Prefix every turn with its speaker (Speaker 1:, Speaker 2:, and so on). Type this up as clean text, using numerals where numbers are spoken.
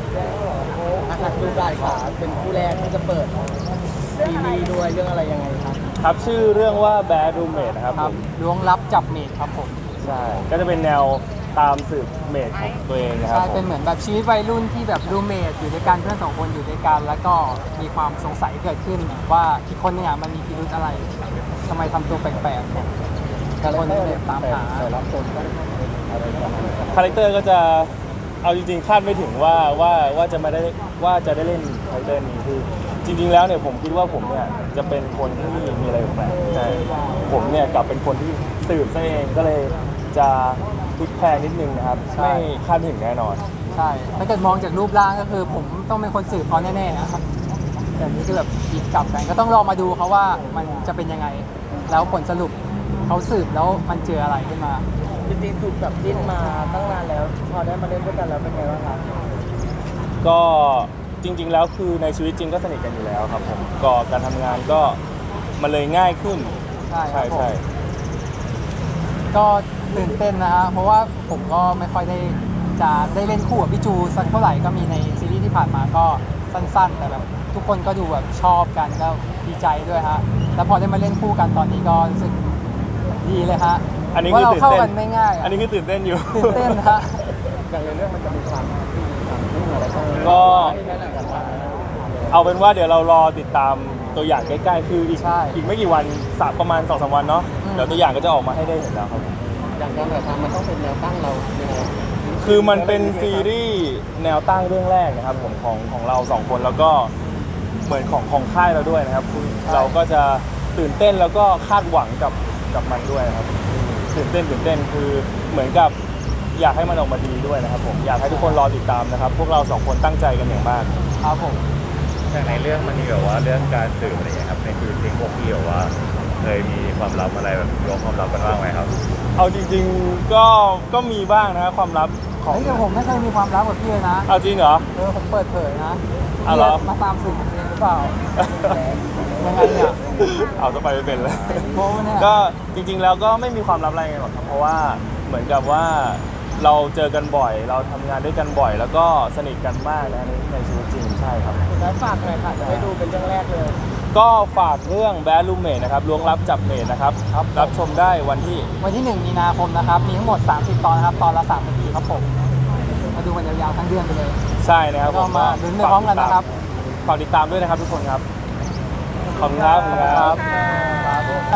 Speaker 1: อาคารดูได้ค่ะเป็นคู่แรกที่จะเปิดซีรีส์ด้วยเรื่องอะไรยังไงครับ
Speaker 2: ครับชื่อเรื่องว่า Bad Roommate นะครับผม
Speaker 3: ล้วงลับจับเมดครับผม
Speaker 2: ใช่ก็จะเป็นแนวตามสืบเมดของตัวเองนะครับ
Speaker 3: ใช่เป็นเหมือนแบบชีวิตวัยรุ่นที่แบบรูเมทอยู่ด้วยกันเพื่อนสองคนอยู่ด้วยกันแล้วก็มีความสงสัยเกิดขึ้นว่าอีกคนนึงมันมีพิรุธอะไรทำไมทำตัวแปลกๆคนเลยตามหา
Speaker 1: รับชมก็อะไรประมาณนี้
Speaker 2: คาแรคเตอร์ก็จะเอาจริงๆคาดไม่ถึงว่าจะมาได้ว่าจะได้เล่นคาแรคเตอร์นี้คือจริงๆแล้วเนี่ยผมคิดว่าผมเนี่ยจะเป็นคนที่มีอะไรแปลกๆแต่ผมเนี่ยกลับเป็นคนที่สืบซะเองก็เลยจะพลิกแพลงนิดนึงนะครับไม่คาดถึงแน่นอน
Speaker 3: ใช่ถ้าเกิดมองจากรูปร่างก็คือผมต้องเป็นคนสืบเขาแน่ๆนะครับแต่นี่คือแบบหยิบกลับกันก็ต้องรอมาดูเขาว่ามันจะเป็นยังไงแล้วผลสรุปเขาสืบแล้วมันเจออะไรขึ้นมา
Speaker 1: จริงๆถูกจับจิ้นมาตั้งนานแล้วพอได้มาเล่นด้วยกันแล้วเป็นไงบ้างครับ
Speaker 2: ก็จริงๆแล้วคือในชีวิตจริงก็สนิทกันอยู่แล้วครับผมก็การทำงานก็มันเลยง่ายขึ้น
Speaker 3: ใช่ครับผม
Speaker 2: ใช่
Speaker 3: ก็ตื่นเต้นนะฮะเพราะว่าผมก็ไม่ค่อยจะได้เล่นคู่กับพี่จูสักเท่าไหร่ก็มีในซีรีส์ที่ผ่านมาก็สั้นๆแต่แบบทุกคนก็ดูแบบชอบกันก็ดีใจด้วยฮะแล้วพอได้มาเล่นคู่กันตอนนี้ก็รู้สึกดีเลยฮะ
Speaker 2: อันนี้
Speaker 3: ว่า
Speaker 2: คือ
Speaker 3: เรา
Speaker 2: ตื่น
Speaker 3: เข้า
Speaker 2: เต้น
Speaker 3: กันไม่ง่าย
Speaker 2: อันนี้คือตื่นเต้นอยู่
Speaker 3: ตื่นเต้นฮะ
Speaker 1: อย่างในเรื่องมันจะมีความไม่เหมือนอะไรกัน
Speaker 2: ก็ เอาเป็นว่าเดี๋ยวเรารอติดตามตัวอย่างใกล้ๆคืออีกไม่กี่วันประมาณ 2-3 วันเนาะเดี๋ยวตัวอย่างก็จะออกมาให้ได้เห็นแล้วครับ
Speaker 1: อย่างการถ่ายทำมันต้องเป็นแนวตั้งเรายังไง
Speaker 2: คือมันเป็นซีรีส์แนวตั้งเรื่องแรกนะครับผมของเราสองคนแล้วก็เหมือนของค่ายเราด้วยนะครับเราก็จะตื่นเต้นแล้วก็คาดหวังกับมันด้วยนะครับตื่นเต้นคือเหมือนกับอยากให้มันออกมาดีด้วยนะครับผมอยากให้ทุกคนรอติดตามนะครับพวกเราสองคนตั้งใจกันอย่างมาก
Speaker 3: ครับผม
Speaker 4: อย่างในเรื่องมันมีแบบว่าเรื่องการสืบอะไรอย่างเงี้ยครับในชีวิตจริงพวกพี่แบบว่าเคยมีความลับอะไรแบบล้วงความลับกันบ้างไหมครับ
Speaker 2: เอาจริงๆก็มีบ้างนะครับความลับของ
Speaker 3: เฮ้ยแต่ผมไม่เคยมีความลับกับพี่เลยนะ
Speaker 2: เอาจริงเหรอ
Speaker 3: ผมเปิดเผยนะ
Speaker 2: เอาเหรอ
Speaker 3: มาตามสืบผมเองหรือเปล่ายังไงเนี่ย
Speaker 2: เอาจะไปไม่เป็นเลย
Speaker 3: โบ้เนี่ย
Speaker 2: ก็จริงๆแล้วก็ไม่มีความลับอะไรกันหรอกครับเพราะว่าเหมือนกับว่าเราเจอกันบ่อย เราทำงานด้วยกันบ่อย แล้วก็สนิทกันมากนะในชีวิตจริงใช่ครับ
Speaker 1: สุดท้ายฝากหน่อยค่ะจะได้ดูเป็นเรื่องแรกเลย
Speaker 2: ก็ฝากเรื่อง Bad Roommate นะครับล้วงลับจับเมดนะครับรับชมได้วันที่
Speaker 3: 1 มีนาคมนะครับมีทั้งหมด30ตอนนะครับตอนละ3 นาทีครับผมมาดูกันยาวๆทั้งเดือนไปเลย
Speaker 2: ใช่นะครับ
Speaker 3: ก็มาลุ้นไปพร้อมกันนะครับ
Speaker 2: ฝากติดตามด้วยนะครับทุกคนครับขอบคุณครับ